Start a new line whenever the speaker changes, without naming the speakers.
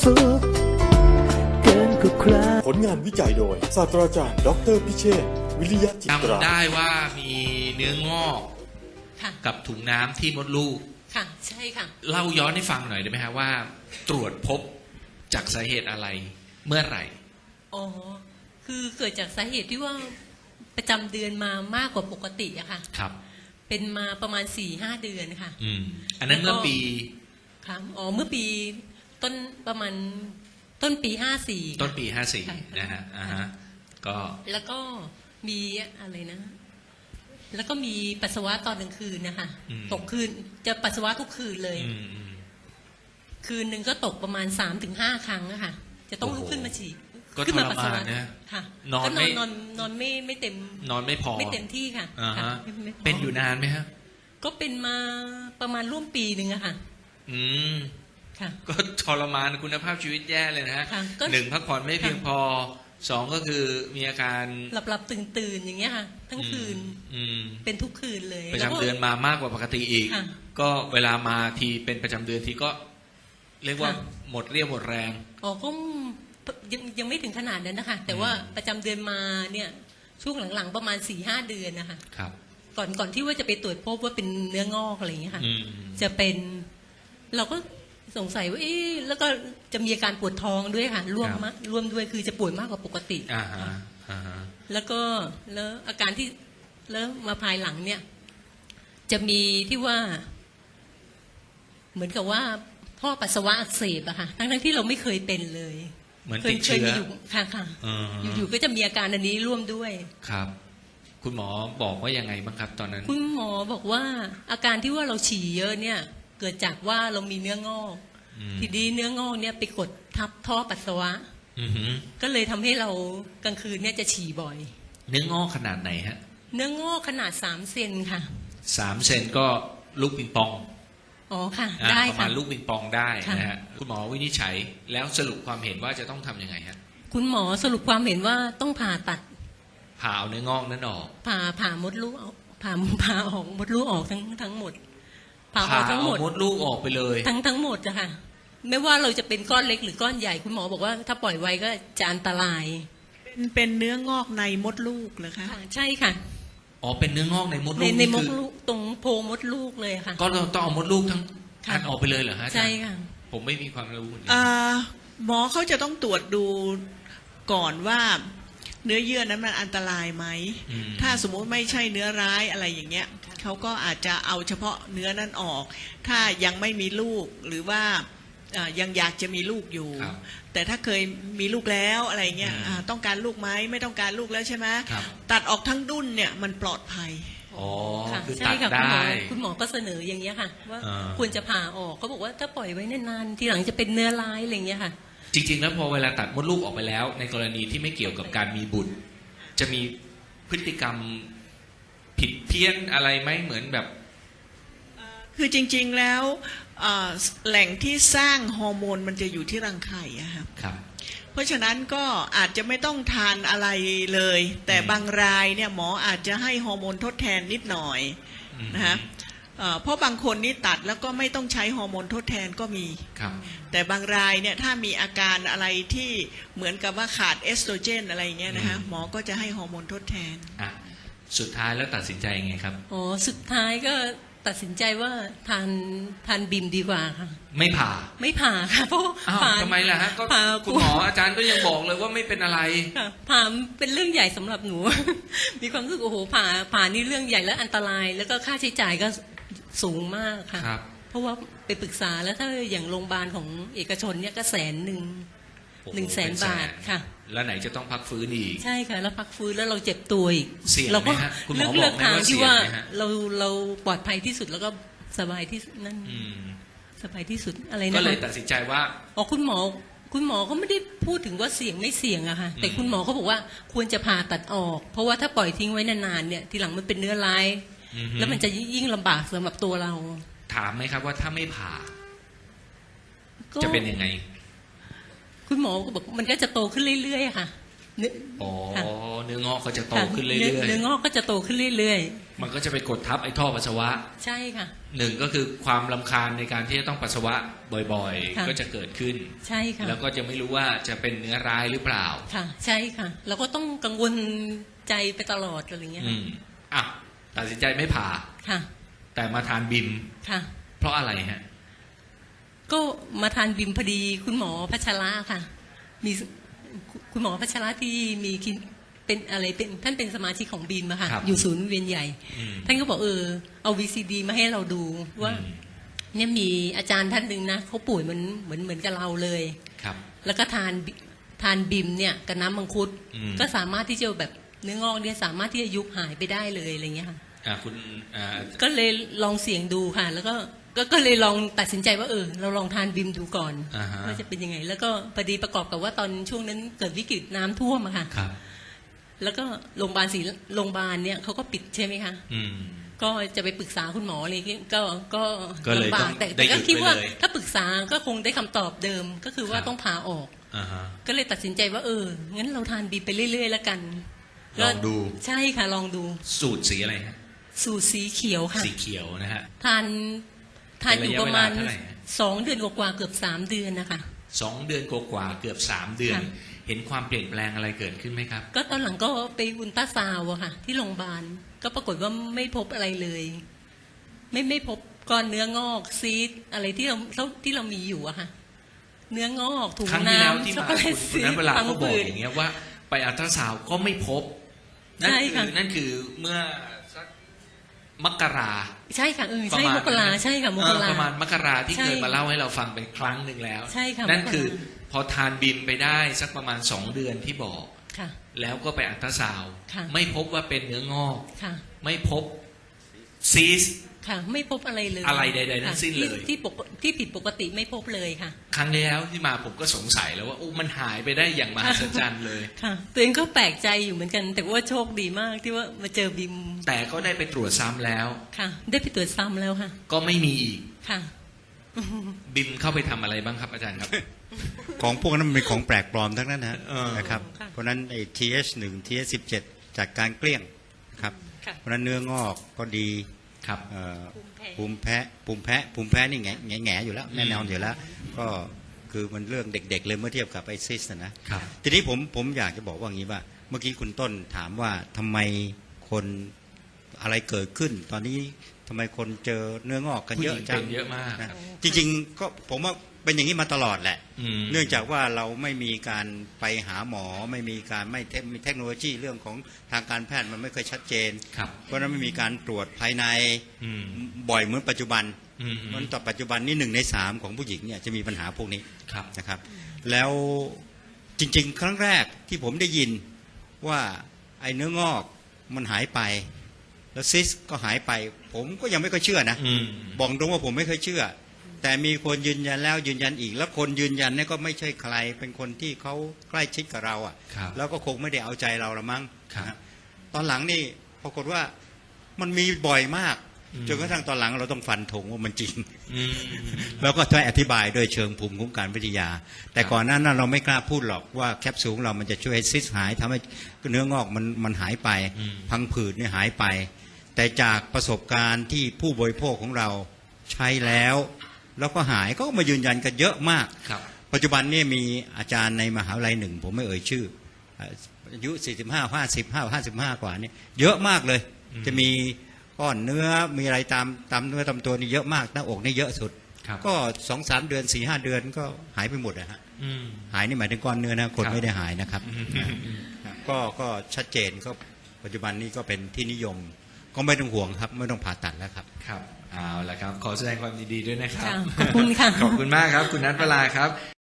สุขเกินกว่าใคร
ผลงานวิจัยโดยศาสตราจารย์ดออเตอร์พิเชษฐ์วิริยะจิตรา
จำได้ว่ามีเนื้องอก
ค่ะ
กับถุงน้ำที่มดลูก
ค่ะใช่ค่ะ
เล่าย้อนให้ฟังหน่อยได้ไหมฮะว่า ตรวจพบจากสาเหตุอะไรเมื่อไหร่
อ๋อคือเกิดจากสาเหตุที่ว่าประจำเดือนมามากกว่าปกติอะค่ะ
ครับ
เป็นมาประมาณ 4-5 เดือนค่ะ
อันนั้นเมื่อปี
ค่ะอ๋อเมื่อปีต้นประมาณต้นปี 54
ต้นปี
ค่ะ
54นะฮะอ่าฮะก็
แล้วก็มีอะไรนะ แล้วก็มีปัสสาวะตอนกลางคืนนะคะตกคืนจะปัสสาวะทุกคืนเลย คืนหนึ่งก็ตกประมาณ 3-5 ครั้งอะค่ะจะต้องลุกขึ้นมาฉี่
ก็
ขึ้
ท
มาร ปัสสาวะ
มานนะ
ค่ะ
นอน
ก็
ไม่
นอนไม่เต็ม
นอนไม่พอ
ไม่เต็มที่ค่ะ
อ่า
ค่ะ
ฮะ
ไม่พ
เป็นอยู่นานไหมฮะ
ก็เป็นมาประมาณร่วมปีหนึ่งอะค่ะ
อืม
ค่ะ
ก็ทรมานคุณภาพชีวิตแย่เลยนะฮะ
ค่ะก็
หนึ่งพักผ่อนไม่เพียงพอสองก็คือมีอาการ
หลับตื่นอย่างเงี้ยค่ะ ทั้งคืน
อืม
เป็นทุกคืนเลย
ประจำเดือนมามากกว่าปกติอีก
ค่ะ
ก็เวลามาทีเป็นประจำเดือนทีก็ เรียกว่า
ค่ะ
หมดเรี่ยวหมดแรง
อ๋อก็ยังไม่ถึงขนาดนั้นนะคะ แต่ว่าประจำเดือนมาเนี่ยช่วงหลังๆประมาณ 4-5 เดือนนะคะ
ครับ
ก่อนที่ว่าจะไปตรวจพบว่าเป็นเนื้องอกอะไรอย่างเงี้ยค่ะ
อืม
จะเป็นเราก็สงสัยว่าเอ๊ะแล้วก็จะมีอาการปวดท้องด้วยค่ะร่วมด้วยคือจะปวดมากกว่าปกติ
อ่าฮะอ่าฮะ
แล้วก็แล้วอาการที่แล้วมาภายหลังเนี่ย จะมีที่ว่า เหมือนกับว่าท่อปัสสาวะอักเสบอะค่ะทั้งที่เราไม่เคยเป็นเลย
เหมือน
เค
ติ
ย
ด
เค
เชื้
ย
อ
มีอยู่ค่ะค่ะ
อ่าฮะ
อยู่ๆก็จะมีอาการอันนี้ร่วมด้วย
ครับ คุณหมอบอกว่ายังไงบ้างครับ ตอนนั้น
คุณหมอบอกว่าอาการที่ว่าเราฉี่เยอะเนี่ย เกิดจากว่าเรามีเนื้องอก ทีนี้เนื้องอกเนี่ยไปกดทับท่อปัสสาวะ
อือหือ
ก็เลยทำให้เรากลางคืนเนี่ยจะฉี่บ่อย
เนื้องอกขนาดไหนฮะ
เนื้องอกขนาด3 เซนค่ะ
3 เซนก็ลูกปิงปอง
อ๋อค่ะ
อ่า
ได้
ประมา
ค่ะ
ณลูกปิงปองได้
ค่ะ
นะฮะคุณหมอวินิจฉัยแล้วสรุปความเห็นว่าจะต้องทำยังไงฮะ
คุณหมอสรุปความเห็นว่าต้องผ่าตัด
ผ่าเอาเนื้องอกนั้นออก
ผ่ามดลูกออกผ่าออกมดลูกออกทั้งหมดผ่าออกทั้งหมด
มดลูกออกไปเลย
ทั้งหมดอะค่ะ ไม่ว่าเราจะเป็นก้อนเล็กหรือก้อนใหญ่คุณหมอบอกว่าถ้าปล่อยไว้ก็จะอันตราย
เป็นเนื้องอกในมดลูกเหรอคะ
ค่ะใช่ค่ะ
อ๋อเป็นเนื้องอกในมดลู
ใน
ก
ใน
นี่
ม
คื
ด
อ
ลูกตรงโพรงมดลูกเลยค่ะ
ก็เราต้องเอามดลูกทั้ง
ค่ะ
อันออกไปเลยเหรอฮะอาจารย์
ใช่ค่ะ
ผมไม่มีความรู้เหมือนกั
หมอเขาจะต้องตรวจดูก่อนว่าเนื้อเยื่อนั้นมันอันตรายไหม ถ้าสมมุติไม่ใช่เนื้อร้ายอะไรอย่างเงี้ยเขาก็อาจจะเอาเฉพาะเนื้อนั้นออก ถ้ายังไม่มีลูกหรือว่ายังอยากจะมีลูกอยู่
ครับ
แต่ถ้าเคยมีลูกแล้วอะไรเงี้ยต้องการลูกไหมไม่ต้องการลูกแล้วใช่ไหม
ครับ
ตัดออกทั้งดุ้นเนี่ยมันปลอดภัย
อ๋อ
ค่ะ
คือ
ใช่
ตัด
ค่ะ
ได้
คุณหมอก็เสนออย่างเงี้ยค่ะ ว่า
อ่า
ควรจะผ่าออกเขาบอกว่าถ้าปล่อยไว้นานๆทีหลังจะเป็นเนื้อร้ายอะไรอย่างเงี้ยค่ะ
จริง ๆ แล้วพอเวลาตัดมดลูกออกไปแล้ว ในกรณีที่ไม่เกี่ยวกับการมีบุตร จะมีพฤติกรรมผิดเพี้ยนอะไรไหมเหมือนแบบ
คือจริงๆแล้วแหล่งที่สร้างฮอร์โมนมันจะอยู่ที่รังไข่อะครับ
ครับ
เพราะฉะนั้นก็อาจจะไม่ต้องทานอะไรเลย แต่บางรายเนี่ยหมออาจจะให้ฮอร์โมนทดแทนนิดหน่อยนะฮะเพราะบางคนนี่ตัดแล้วก็ไม่ต้องใช้ฮอร์โมนทดแทนก็มี
ครับ
แต่บางรายเนี่ยถ้ามีอาการอะไรที่เหมือนกับว่าขาดเอสโตรเจนอะไรเงี้ยนะฮะหมอก็จะให้ฮอร์โมนทดแทน
อ่ะสุดท้ายแล้วตัดสินใจยังไงครับ
อ๋อสุดท้ายก็ตัดสินใจว่าทานบิมดีกว่าค่ะ
ไม่ผ่า
ไม่ผ่าค่ะเพราะ
อ้าว
ผ่า
ทำไมล่ะฮะก็
ผ่า
คุณหมออาจารย์ก็ยังบอกเลยว่าไม่เป็นอะไร
ค่ะผ่าเป็นเรื่องใหญ่สำหรับหนู มีความรู้สึกโอ้โหผ่านี่เรื่องใหญ่และอันตราย แล้วก็ค่าใช้จ่ายก็สูงมากค่ะ
ครับ
เพราะว่าไปปรึกษาแล้วถ้าอย่างโรงพยาบาลของเอกชนเนี่ยก็100,000
โอ้โห
100,000 บาทค่ะ
แล้วไหนจะต้องพักฟื้นอีก
ใช่ค่ะ แล้วพักฟื้นแล้วเราเจ็บตัวอีก
เสี่ยงไหม
เราก็
ฮะคุณหมอ
เลือก
บอกไหม
ทาง
ว่า
ที่ว่า
เสี่ยงไหมฮะ
เราปลอดภัยที่สุดแล้วก็สบายที่สุดนั่น
อืม
สบายที่สุดอะไร
ก็
นะ
เลย
คะ
ตัดสินใจว่า
อ๋อคุณหมอก็ไม่ได้พูดถึงว่าเสี่ยงไม่เสี่ยงอะค่ะแต่คุณหมอเขาบอกว่าควรจะผ่าตัดออก เพราะว่าถ้าปล่อยทิ้งไว้นานๆเนี่ยทีหลังมันเป็นเนื้อร้าย
อือฮึ
แล้วมันจะยิ่งลำบากสำหรับตัวเรา
ถามไหมครับว่าถ้าไม่ผ่า
ก็
จะเป็นยังไง
คุณหมอก็บอกมันก็จะโตขึ้นเรื่อยๆอะค่ะเนื้อ
อ๋อ
ค่ะ
เนื้องอกก็จะโต
ค่ะ
ขึ้นเรื่อย
เนื้องอกก็จะโตขึ้นเรื่อย
ๆมันก็จะไปกดทับไอ้ท่อปัสสาวะ
ๆ ใช่ค่ะ
หนึ่งก็คือความรำคาญในการที่จะต้องปัสสาวะบ่อย
ค่ะ
ๆ ก็จะเกิดขึ้น
ใช่ค่ะ
แล้วก็จะไม่รู้ว่าจะเป็นเนื้อร้ายหรือเปล่า
ค่ะ ใช่ค่ะ เราก็ต้องกังวลใจไปตลอดอะไรเงี้ย
อืมอ่ะตัดสินใจไม่ผ่า
ค่ะ
แต่มาทานบิม
ค่ะ
เพราะอะไรฮะ
ก็มาทานบิมพอดีคุณหมอพัชระค่ะ มีคุณหมอพัชระที่มีคลินเป็นอะไรเป็นท่านเป็นสมาชิกของบิมอะค่ะ
ครับ
อยู่ศูนย์เวียนใหญ่
อืม
ท่านก็บอกเอา VCD มาให้เราดูว่า
อืม
เนี่ยมีอาจารย์ท่านหนึ่งนะเขาป่วยเหมือนกับเราเลย
ครับ
แล้วก็ทานบิมเนี่ยกับน้ำมังคุด
อืม
ก็สามารถที่จะแบบเนื้องอกเนี่ยสามารถที่จะยุบหายไปได้เลยอะไรเงี้ยค่ะ
คุณอ่า
ก็เลยลองเสี่ยงดูค่ะ แล้วก็เลยลองตัดสินใจว่าเราลองทานบิมดูก่อน
อ่าฮะ
ว่าจะเป็นยังไง แล้วก็พอดีประกอบกับว่าตอนช่วงนั้นเกิดวิกฤตน้ำท่วมอะค่ะ
ครับ
แล้วก็โรงพยาบาลเนี่ยเขาก็ปิดใช่ไหมคะ
อืม
ก็จะไปปรึกษาคุณหมออะไรเงี้ยก็
ก็เลย
ลำบา
ต้
ก
อง
แต่
ได้หยุ
ก็
ด
คิดว่า
ไปเลย
ถ้าปรึกษาก็คงได้คำตอบเดิมก็คือว่า
ครับ
ต้องผ่าออก
อ่าฮะ
ก็เลยตัดสินใจว่างั้นเราทานบีไปเรื่อยๆแล้วกัน
ลองดู
ใช่ค่ะลองดู
สูตรสีอะไรฮะ
สูตรสีเขียวค่ะ
สีเขียวนะฮะ
ทานอยู่ประมาณ
เป็นระยะเวลาเท่าไหร่ฮะ
2 เดือนกว่าๆเกือบ3 เดือนนะคะ
2 เดือนกว่าๆเกือบ3 เดือน
ค่ะ
เห็นความเปลี่ยนแปลงอะไรเกิดขึ้นไหมครับ
ก็ตอนหลังก็ไปอุลตราซาวด์อะค่ะ ที่โรงพยาบาลก็ปรากฏว่าไม่พบอะไรเลย ไม่พบก้อนเนื้องอกซีดอะไรที่เรามีอยู่อะค่ะ เนื้องอกถุง
ครั้งที่แล้ว
น้ำ
ที่
ช็อก
มา
โกแลต
คุณ
ซี
นั้
ด
นเวลา
พัง
ก็บอก
ผืด
อย่างเงี้ยว่าไปอัลตราซาวด์ก็ไม่พบ นั่น
ใช่
คื
ค่ะ
นั่นคือเมื่อสักมกรา
ใช่ค่ะใช่
ประมาณ
มกรา
นั้น
ใช่ค่ะมกรา
ประมาณมกราที่
ใช่
เคยมาเล่าให้เราฟังเป็นครั้งหนึ่งแล้ว
ใช่ค่ะ
นั่น
มกรา
คือพอทานบิมไปได้สักประมาณ2 เดือนที่บอก
ค่ะ
แล้วก็ไปอัลตราซาวด์
ค่ะ
ไม่พบว่าเป็นเนื้องอก
ค่ะ
ไม่พบซีส
ค่ะ ไม่พบอะไรเลย
อะไรใดๆทั้งสิ้นเลย
ที่ผิดปกติไม่พบเลยค่ะ
ครั้งที่แล้วที่มาผมก็สงสัยแล้วว่าโอ้มันหายไปได้อย่างมหัศจรรย์เลย
ค่ะตัวเองก็แปลกใจอยู่เหมือนกัน แต่ว่าโชคดีมากที่ว่ามาเจอบิม
แต่ก็ได้ไปตรวจซ้ำแล้ว
ค่ะ ได้ไปตรวจซ้ำแล้วค่ะ
ก็ไม่มีอีก
ค่ะ
บิมเข้าไปทำอะไรบ้างครับอาจารย์ครับ
ของพวกนั้นมันเป็นของแปลกปลอมทั้งนั้นนะ
เออ
นะครับ
ค่ะ
เพราะฉะนั้นไอ้ TH1 TH17 จากการเกลี้ยงนะครับ
ค่ะ
เพราะฉะนั้นเนื้องอกก็ดี
ครับ
ภูมิแพ้นี่แง่อยู่แล้วแน่นอนอยู่แล้ว ก็คือมันเรื่องเด็กๆเลยเมื่อเทียบกับไอซิสนะครับ ทีนี้ผมอยากจะบอกว่าอย่างนี้ว่า เมื่อกี้คุณต้นถามว่าทำไมคนอะไรเกิดขึ้น ตอนนี้ทำไมคนเจอเนื้องอกกัน
ผู้
เย
ห
อะ
ญิง
จั
เป็
ง
นเยอะมาก
นะจริงๆก็ผมว่าเป็นอย่างนี้มาตลอดแหละ
อืม
เนื่องจากว่าเราไม่มีการไปหาหมอไม่มีการไม่มีเทคโนโลยีเรื่องของทางการแพทย์มันไม่เคยชัดเจน
ครับ
เพราะฉะนั้นไม่มีการตรวจภายใน
อืม
บ่อยเหมือนปัจจุบัน
อืม
มันต่อปัจจุบันนี่1 ใน 3ของผู้หญิงเนี่ยจะมีปัญหาพวกนี้
ครับ
นะครับ แล้วจริงๆ ครั้งแรกที่ผมได้ยินว่าไอ้เนื้องอกมันหายไป แล้วซิสก็หายไป ผมก็ยังไม่ค่อยเชื่อนะ
อืม
บอกตรงว่าผมไม่เคยเชื่อ แต่มีคนยืนยันแล้วยืนยันอีก แล้วคนยืนยันเนี่ยก็ไม่ใช่ใคร เป็นคนที่เขาใกล้ชิดกับเราอ่ะ
ครับ
แล้วก็คงไม่ได้เอาใจเราละมั้ง
ครับ
นะตอนหลังนี่ปรากฏว่ามันมีบ่อยมาก
อืม
จนกระทั่งตอนหลังเราต้องฟันธงว่ามันจริง
อืม
แล้วก็ต้องอธิบายโดยเชิงภูมิคุ้มกันวิทยา แต่ก่อนหน้านั้นเราไม่กล้าพูดหรอกว่าแคปซูลของเรามันจะช่วยให้ซิสหายทำให้เนื้องอกมันหายไป
อืม
พังผืดเนี่ยหายไป แต่จากประสบการณ์ที่ผู้บริโภคของเราใช้แล้วก็หายก็มายืนยันกันเยอะมาก
ครับ
ปัจจุบันนี่มีอาจารย์ในมหาวิทยาลัยหนึ่ง ผมไม่เอ่ยชื่ออายุ45 55กว่านี่เยอะมากเลย
อืม
จะมีก้อนเนื้อมีอะไรตามเนื้อตามตัวนี่เยอะมากหน้าอกนี่เยอะสุด
ครับ
ก็ 2-3 เดือน 4-5 เดือนก็หายไปหมดนะฮะ
อืม
หายนี่หมายถึงก้อนเนื้อนะคน
ครับ
ไม่ได้หายนะครับ
อืม
ก็ชัดเจนก็ปัจจุบันนี้ก็เป็นที่นิยม ก็ไม่ต้องห่วงครับไม่ต้องผ่าตัดแล้วครับ
ครับเอาละครับ ขอแสดงความยินดีด้วยนะครับ
ค่ะขอบคุณค่ะ
ขอบคุณมากครับ คุณนัทเวลาครับ